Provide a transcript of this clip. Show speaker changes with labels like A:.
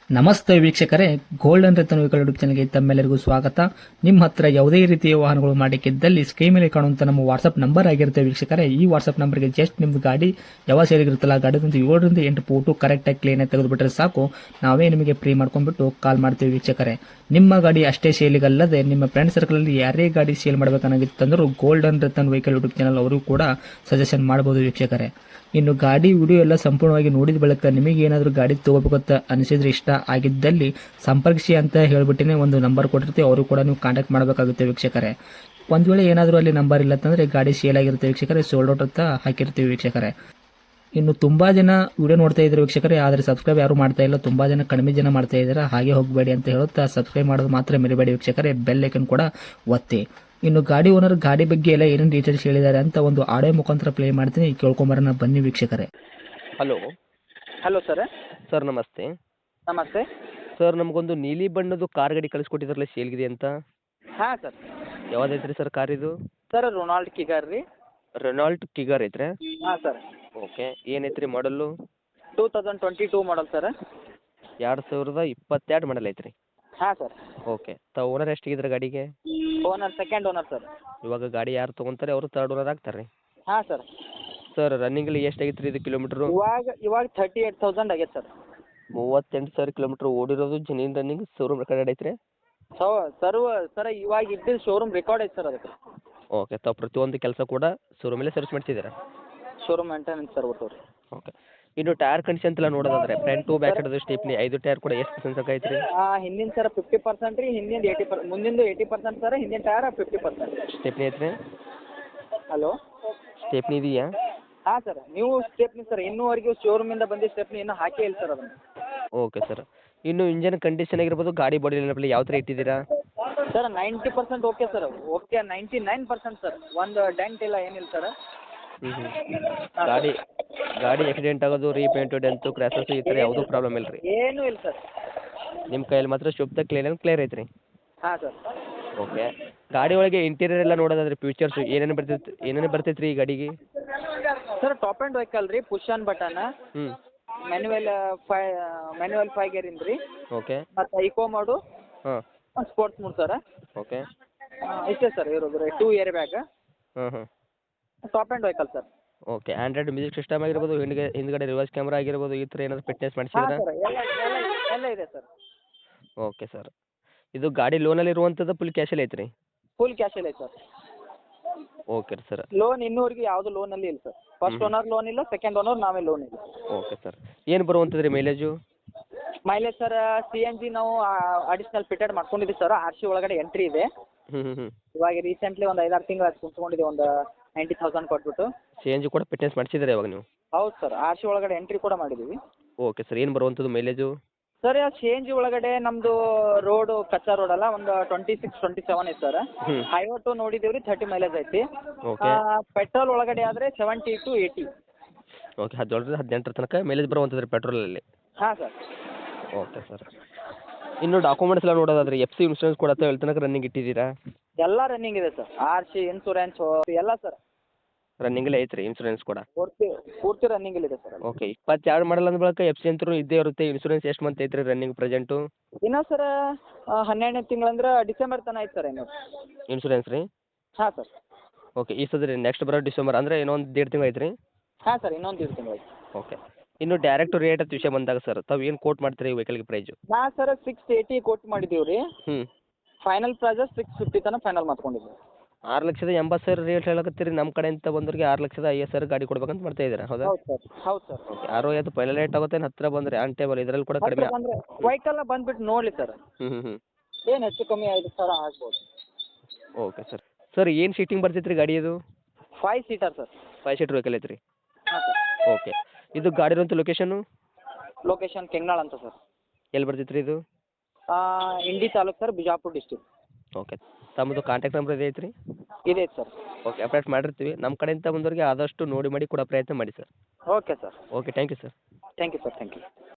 A: ನಮಸ್ತೆ ವೀಕ್ಷಕರೇ, golden Ratan vehicle YouTube ಚಾನಲ್ಗೆ ತಮ್ಮೆಲ್ಲರಿಗೂ ಸ್ವಾಗತ. ನಿಮ್ಮ ಹತ್ರ ಯಾವುದೇ ರೀತಿಯ ವಾಹನಗಳು ಮಾಡಿಕ್ಕಿದ್ದಲ್ಲಿ ಸ್ಕ್ರೀನ್ ಮೇಲೆ ಕಾಣುವಂತ ನಮ್ಮ ವಾಟ್ಸ್ಆಪ್ ನಂಬರ್ ಆಗಿರುತ್ತೆ ವೀಕ್ಷಕರೇ. ಈ ವಾಟ್ಸ್ಆಪ್ ನಂಬರ್ಗೆ ಜಸ್ಟ್ ನಿಮ್ದು ಗಾಡಿ ಯಾವ ಸೇರಿಗಿರುತ್ತಲ್ಲ ಗಾಡಿದಂತ 7ರಿಂದ 8 ಫೋಟೋ ಕರೆಕ್ಟಾಗಿ ಕ್ಲೀನ್ ಆಗಿ ತೆಗೆದುಬಿಟ್ರೆ ಸಾಕು, ನಾವೇ ನಿಮಗೆ ಫ್ರೀ ಮಾಡ್ಕೊಂಡ್ಬಿಟ್ಟು ಕಾಲ್ ಮಾಡ್ತೀವಿ ವೀಕ್ಷಕರೇ. ನಿಮ್ಮ ಗಾಡಿ ಅಷ್ಟೇ ಸೇಲಿಗಲ್ಲದೆ ನಿಮ್ಮ ಫ್ರೆಂಡ್ ಸರ್ಕಲ್ ಅಲ್ಲಿ ಯಾರೇ ಗಾಡಿ ಸೇಲ್ ಮಾಡಬೇಕನ್ನಾಗಿತ್ತಂದ್ರೂ golden Ratan vehicle YouTube channel ಅವರು ಕೂಡ ಸಜೆಷನ್ ಮಾಡಬಹುದು ವೀಕ್ಷಕರೇ. ಇನ್ನು ಗಾಡಿ ವಿಡಿಯೋ ಎಲ್ಲ ಸಂಪೂರ್ಣವಾಗಿ ನೋಡಿದ ಬಳಿಕ ನಿಮಗೆ ಏನಾದರೂ ಗಾಡಿ ತಗೋಬೇಕಂತ ಅನಿಸಿದ್ರೆ, ಇಷ್ಟ ಆಗಿದ್ದಲ್ಲಿ ಸಂಪರ್ಕಿಸಿ ಅಂತ ಹೇಳ್ಬಿಟ್ಟಿನೇ ಒಂದು ನಂಬರ್ ಕೊಟ್ಟಿರ್ತೀವಿ, ಅವರು ಕೂಡ ನೀವು ಕಾಂಟ್ಯಾಕ್ಟ್ ಮಾಡಬೇಕಾಗುತ್ತೆ ವೀಕ್ಷಕರೇ. ಒಂದು ವೇಳೆ ಏನಾದರೂ ಅಲ್ಲಿ ನಂಬರ್ ಇಲ್ಲ ಅಂತಂದರೆ ಗಾಡಿ ಸೇಲ್ ಆಗಿರುತ್ತೆ ವೀಕ್ಷಕರೇ, ಸೋಲ್ಡ್ ಔಟ್ ಅಂತ ಹಾಕಿರ್ತೀವಿ ವೀಕ್ಷಕರೇ. ಇನ್ನು ತುಂಬಾ ಜನ ವಿಡಿಯೋ ನೋಡ್ತಾ ಇದ್ದಾರೆ ವೀಕ್ಷಕರೇ, ಆದರೆ ಸಬ್ಸ್ಕ್ರೈಬ್ ಯಾರು ಮಾಡ್ತಾ ಇಲ್ಲ, ತುಂಬಾ ಜನ ಕಡಿಮೆ ಜನ ಮಾಡ್ತಾ ಇದ್ದಾರೆ. ಹಾಗೆ ಹೋಗಬೇಡಿ ಅಂತ ಹೇಳುತ್ತಾ ಸಬ್ಸ್ಕ್ರೈಬ್ ಮಾಡೋದು ಮಾತ್ರ ಮರಿಬೇಡಿ ವೀಕ್ಷಕರೇ, ಬೆಲ್ ಐಕನ್ ಕೂಡ ಒತ್ತಿ. ಇನ್ನು ಗಾಡಿ ಓನರ್ ಗಾಡಿ ಬಗ್ಗೆ ಎಲ್ಲ ಏನೇನು ಡೀಟೇಲ್ಸ್ ಹೇಳಿದ್ದಾರೆ ಅಂತ ಒಂದು ಆಡಿಯೋ ಮುಖಾಂತರ ಪ್ಲೇ ಮಾಡ್ತೀನಿ, ಕೇಳ್ಕೊಂಬರೋಣ ಬನ್ನಿ ವೀಕ್ಷಕರೇ.
B: Hello
C: hello sir.
B: ಸರ್ ನಮಸ್ತೆ.
C: ನಮಸ್ತೆ.
B: ಸರ್ ನಮಗೊಂದು ನೀಲಿ ಬಣ್ಣದ್ದು ಕಾರ್ ಗಾಡಿ ಕಳಿಸ್ಕೊಟ್ಟಿದ್ರಲ್ಲ ಸೇಲ್ಗಿದೆ ಅಂತ,
C: ಹಾಂ ಸರ್.
B: ಯಾವ್ದೈತ್ರಿ ಸರ್ ಕಾರ್ ಇದು?
C: ಸರ್ ರೊನಾಲ್ಡ್ ಕಿಗಾರ್ ರೀ.
B: ರೆನಾಲ್ಟ್ ಕಿಗರ್ ಐತ್ರಿ?
C: ಹಾಂ ಸರ್.
B: ಓಕೆ, ಏನೈತ್ರಿ ಮಾಡಲ್ಲು?
C: 2022 model sir.
B: 2022 ಮಾಡಲ್ ಐತ್ರಿ?
C: ಹಾಂ ಸರ್.
B: ಓಕೆ, ತಾವು ಓನರ್ ಎಷ್ಟಿಗಿದ್ರೆ ಗಾಡಿಗೆ?
C: Owner second owner sir.
B: ಇವಾಗ ಗಾಡಿ ಯಾರು ತೊಗೊಂತಾರೆ ಅವರು ತರ್ಡ್ ಓನರ್ ಆಗ್ತಾರೆ ರೀ?
C: ಹಾಂ ಸರ್.
B: ಸರ್ ರನ್ನಿಂಗಲ್ಲಿ ಎಷ್ಟಾಗಿತ್ತು ರೀ ಇದು ಕಿಲೋಮೀಟ್ರು?
C: ಇವಾಗ 38,000 ಆಗೈತೆ ಸರ್.
B: 38,000 ಕಿಲೋಮೀಟ್ರ್ ಓಡಿರೋದು ಜೆನ್ಯೂನ್ ರನ್ನಿಂಗ್, ಶೋರೂಮ್ ರೆಕಾರ್ಡ್ ಐತ್ರಿ?
C: ಸರ್ ಇವಾಗ ಇದ್ದಿದ್ದು ಶೋರೂಮ್ ರೆಕಾರ್ಡ್ ಐತೆ ಸರ್ ಅದಕ್ಕೆ.
B: ಓಕೆ, ತಾವು ಪ್ರತಿಯೊಂದು ಕೆಲಸ ಕೂಡ ಶೋರೂಮಲ್ಲೇ ಸರ್ವಿಸ್ ಮಾಡ್ತಿದ್ದೀರಾ?
C: ಶೋರೂಮ್ ಮೇಂಟೆನೆನ್ಸ್ ಸರ್ ಒಟ್ಟು ರೀ.
B: ಓಕೆ, ಇನ್ನು ಟೈರ್ ಕಂಡೀಷನ್ ಎಲ್ಲ ನೋಡೋದಾದ್ರೆ ಫ್ರಂಟ್ ಟು ಬ್ಯಾಕ್ ಹಿಡಿದು ಸ್ಟೇಪ್ನಿ 5 ಟೈರ್ ಕೂಡ ಎಷ್ಟು ಪರ್ಸೆಂಟ್ ಐತ್ರಿ?
C: ಹಿಂದಿನ ಸರ್ 50% ರೀ, ಹಿಂದಿನ 80%, ಮುಂದಿಂದು 80% ಸರ್, ಹಿಂದಿನ ಟೈರ್ 50%.
B: ಸ್ಟೆಪ್ನಿ ಐತ್ರಿ?
C: ಹಲೋ,
B: ಸ್ಟೆಪ್ನಿ ಇದೆಯಾ?
C: ಹಾಂ ಸರ್. ನೀವು ಸ್ಟೆಪ್ನಿ ಸರ್ ಇನ್ನೂವರೆಗೂ ಶೋರೂಮಿಂದ ಬಂದಿದ್ದ ಸ್ಟೆಪ್ನಿ ಇನ್ನೂ ಹಾಕೇ ಇಲ್ಲ ಸರ್ ಅದನ್ನು.
B: Okay sir. ಇನ್ನು ಇಂಜನ್ ಕಂಡೀಷನ್ ಆಗಿರ್ಬೋದು, ಗಾಡಿ ಬಾಡಿ ಎಲ್ಲ ಯಾವ ಥರ ಇಟ್ಟಿದ್ದೀರಾ?
C: Sir 90% okay sir. Okay 99% sir. ಒಂದು ಡೆಂಟ್ ಇಲ್ಲ ಏನಿಲ್ಲ ಸರ್.
B: ಗಾಡಿ ಆಕ್ಸಿಡೆಂಟ್ ಆಗೋದು, ರೀಪೇಂಟು, ಡೆಂತು, ಕ್ರ್ಯಾಸಸ್ ಈ ಥರ ಯಾವುದೂ ಪ್ರಾಬ್ಲಮ್ ಇಲ್ಲ ರೀ?
C: ಏನೂ ಇಲ್ಲ ಸರ್.
B: ನಿಮ್ಮ ಕೈಯಲ್ಲಿ ಮಾತ್ರ ಶುದ್ಧ ಕ್ಲಿಯರ್ ಐತ್ರಿ?
C: ಹಾಂ ಸರ್.
B: ಓಕೆ, ಗಾಡಿ ಒಳಗೆ ಇಂಟೀರಿಯರ್ ಎಲ್ಲ ನೋಡೋದಾದ್ರೆ ಫ್ಯೂಚರ್ಸ್ ಏನೇನು ಬರ್ತೈತೆ ರೀ ಈ ಗಾಡಿಗೆ?
C: ಸರ್ ಟಾಪ್ ಆ್ಯಂಡ್ ವೆಹಿಕಲ್ ರೀ, ಪುಷ್ ಆನ್ ಬಟನ್, ಮ್ಯಾನ್ಯುವಲ್ 5 ಗೇರಿಂದ ರೀ.
B: ಓಕೆ,
C: ಮತ್ತು ಇಕೋ ಮಾಡು,
B: ಹಾಂ,
C: ಸ್ಪೋರ್ಟ್ಸ್ ಮೂಡ್ ಸರ್.
B: ಓಕೆ,
C: ಇಷ್ಟೇ ಸರ್ ಇರೋದು ರೀ. 2 ಇಯರ್ ಬ್ಯಾಗ್,
B: ಹಾಂ,
C: top and vehicle sir.
B: Okay. Android music system ಆಗಿರ್ಬೋದು, ಹಿಂದ್ಗಡೆ ರಿವರ್ಸ್ ಕ್ಯಾಮ್ರಾ ಆಗಿರ್ಬೋದು, ಈ ಥರ ಏನಾದರೂ ಫಿಟ್ನೆಸ್
C: ಹಾಂ
B: ಮಾಡಿಸಿದ್ರಾ?
C: ಸರ್, ಎಲ್ಲ ಇದೆ ಸರ್.
B: Okay sir. ಇದು ಗಾಡಿ ಲೋನಲ್ಲಿ ಇರುವಂಥದ್ದು ಫುಲ್ ಕ್ಯಾಶಲ್ಲಿ ಐತ್ರಿ?
C: ಫುಲ್ ಕ್ಯಾಶಲ್ಲಿ ಐತೆ ಸರ್.
B: Okay sir.
C: ಲೋನ್ ಇನ್ನೂವರೆಗೂ ಯಾವುದು ಲೋನಲ್ಲಿ ಇಲ್ಲ ಸರ್. ಫಸ್ಟ್ ಓನರ್ ಲೋನ್ ಇಲ್ಲ, ಸೆಕೆಂಡ್ ಓನರ್ ನಾವೇ ಲೋನ್ ಇಲ್ಲ.
B: Okay sir. ಏನು ಬರುವಂಥದ್ದು ರೀ ಮೈಲೇಜು?
C: ಮೈಲೇಜ್ ಸರ್ CNG ನಾವು ಅಡಿಷ್ನಲ್ ಫಿಟೆಡ್ ಮಾಡ್ಕೊಂಡಿದ್ದೀವಿ ಸರ್. RC ಒಳಗಡೆ ಎಂಟ್ರಿ ಇದೆ. ಇವಾಗ ರೀಸೆಂಟ್ಲಿ ಒಂದು 5-6 ತಿಂಗಳು ಕುಂತ್ಕೊಂಡಿದ್ದೀವಿ, ಒಂದು 90,000 ಕೊಟ್ಬಿಟ್ಟು.
B: CNG ಕೂಡ ಫಿಟ್ನೆಸ್ ಮಾಡಿಸಿದ್ರೆ ಇವಾಗ ನೀವು?
C: ಹೌದು ಸರ್, RC ಒಳಗಡೆ ಎಂಟ್ರಿ ಕೂಡ ಮಾಡಿದ್ದೀವಿ.
B: Okay sir. ಏನು ಬರುವಂಥದ್ದು ಮೈಲೇಜು?
C: ಸರ್ CNG ಒಳಗಡೆ ನಮ್ಮದು ರೋಡು ಕಚ್ಚಾ ರೋಡ್ ಅಲ್ಲ, ಒಂದು 26-27 ಐತೆ ಸರ್. ಹೈವೇ ಟು ನೋಡಿದ್ದೀವಿ ರೀ, 30 ಮೈಲೇಜ್ ಐತಿ.
B: ಓಕೆ.
C: ಪೆಟ್ರೋಲ್ ಒಳಗಡೆ ಆದರೆ 70 to 80.
B: ಓಕೆ, 17ರಿಂದ 18 ತನಕ ಮೈಲೇಜ್ ಬರುವಂಥದ್ದು ರೀ ಪೆಟ್ರೋಲಲ್ಲಿ?
C: ಹಾಂ ಸರ್.
B: Okay sir. ಇನ್ನು ಡಾಕ್ಯುಮೆಂಟ್ಸ್ ಎಲ್ಲ ನೋಡೋದಾದ್ರೆ FC ಇನ್ಶೂರೆನ್ಸ್ ಕೂಡ ಎಲ್ಲಿ ತನಕ ರನ್ನಿಂಗ್ ಇಟ್ಟಿದ್ದೀರಾ?
C: ಎಲ್ಲ ರನ್ನಿಂಗ್ ಇದೆ ಸರ್. RC ಇನ್ಸೂರೆನ್ಸ್ ಎಲ್ಲ ಸರ್
B: ರನ್ನಿಂಗಲ್ಲೇ ಐತ್ರಿ ಇನ್ಶೂರೆನ್ಸ್ ಕೂಡ?
C: ಪೂರ್ತಿ ರನ್ನಿಂಗಲ್ಲಿದೆ ಸರ್.
B: ಓಕೆ, 22 ಮಾಡಲ್ ಅಂದ ಬಳಿಕ FC ಅಂತೂ ಇದ್ದೇ ಇರುತ್ತೆ. ಇನ್ಶೂರೆನ್ಸ್ ಎಷ್ಟು ಮಂತ್ ಐತ್ರಿ ರನ್ನಿಂಗ್ ಪ್ರೆಸೆಂಟು?
C: ಇನ್ನೂ ಸರ್ 12ನೇ ತಿಂಗಳಂದ್ರೆ ಡಿಸೆಂಬರ್ ತನಕ ಐತೆ ಸರ್ ಇನ್ನು
B: ಇನ್ಶೂರೆನ್ಸ್ ರೀ?
C: ಹಾಂ ಸರ್.
B: ಓಕೆ, ಈ ಸದ್ರಿ ನೆಕ್ಸ್ಟ್ ಬರೋ ಡಿಸೆಂಬರ್ ಅಂದರೆ ಇನ್ನೊಂದು 1.5 ತಿಂಗಳು ಐತ್ರಿ?
C: ಹಾಂ ಸರ್, ಇನ್ನೊಂದು 1.5 ತಿಂಗಳು ಐತೆ.
B: ಓಕೆ. ಇನ್ನು ಡೈರೆಕ್ಟ್ ರೇಟ್ ಅಂತ ವಿಷಯ ಬಂದಾಗ ಸರ್, ತಾವು ಏನು ಕೋಟ್ ಮಾಡ್ತೀರಿ ವೆಹಿಕಲ್ಗೆ ಪ್ರೈಸು?
C: ನಾ ಸರ್ 680 ಕೊಟ್ಟು ಮಾಡಿದ್ದೀವಿ ರೀ. ಫೈನಲ್ ಪ್ರೈಸ್ 650 ತನಕ ಫೈನಲ್ ಮಾಡ್ಕೊಂಡಿದ್ದೀವಿ.
B: 6,80,000 ರೇಟ್ ಹೇಳಕತ್ತೀರಿ. ನಮ್ಮ ಕಡೆಯಿಂದ ಬಂದವ್ರಿಗೆ 6,50,000 ಗಾಡಿ ಕೊಡ್ಬೇಕಂತ ಮಾಡ್ತಾ ಇದ್ದೀರಾ, ಹೌದಾ?
C: ಹೌದು ಸರ್. ಹೌದು ಸರ್.
B: ಓಕೆ, 60 ಪೈಲ ರೇಟ್ ಆಗುತ್ತೆ, ಹತ್ತಿರ ಬಂದರೆ ಆನ್ ಟೇಬಲ್ ಇದರಲ್ಲಿ ಕೂಡ ಕಡಿಮೆ?
C: ಅಂದರೆ ವೆಹಿಕಲ್ ಬಂದುಬಿಟ್ಟು ನೋಡಲಿ ಸರ್, ಏನು ಹೆಚ್ಚು ಕಮ್ಮಿ 5,000 ಆಗ್ಬೋದು.
B: Okay sir. ಸರ್ ಏನು ಸೀಟಿಂಗ್ ಬರ್ತೈತೆ ರೀ ಗಾಡಿ ಇದು?
C: 5 ಸೀಟರ್ ಸರ್.
B: 5 ಸೀಟರ್ ವೆಹಿಕಲ್ ಐತ್ರಿ?
C: ಹಾಂ ಸರ್.
B: ಓಕೆ. ಇದು ಗಾಡಿ ಇರುವಂಥ ಲೊಕೇಶನ್ನು?
C: ಲೊಕೇಶನ್ ಕೆಂಗನಾಳ್ ಅಂತ ಸರ್.
B: ಎಲ್ಲಿ ಬರ್ತೈತೆ ರೀ ಇದು?
C: Indi taluk sir, Bijapur district.
B: Okay. ತಮ್ಮದು ಕಾಂಟ್ಯಾಕ್ಟ್ ನಂಬರ್ ಇದೆ ಐತ್ರಿ?
C: ಇದೆ ಸರ್.
B: ಓಕೆ, ಅಪ್ಡೇಟ್ ಮಾಡಿರ್ತೀವಿ. ನಮ್ಮ ಕಡೆಯಿಂದ ಬಂದವರಿಗೆ ಆದಷ್ಟು ನೋಡಿ ಮಾಡಿ ಕೊಡೋ ಪ್ರಯತ್ನ ಮಾಡಿ sir.
C: Okay sir.
B: Okay, thank you sir.
C: Thank you sir. Thank you.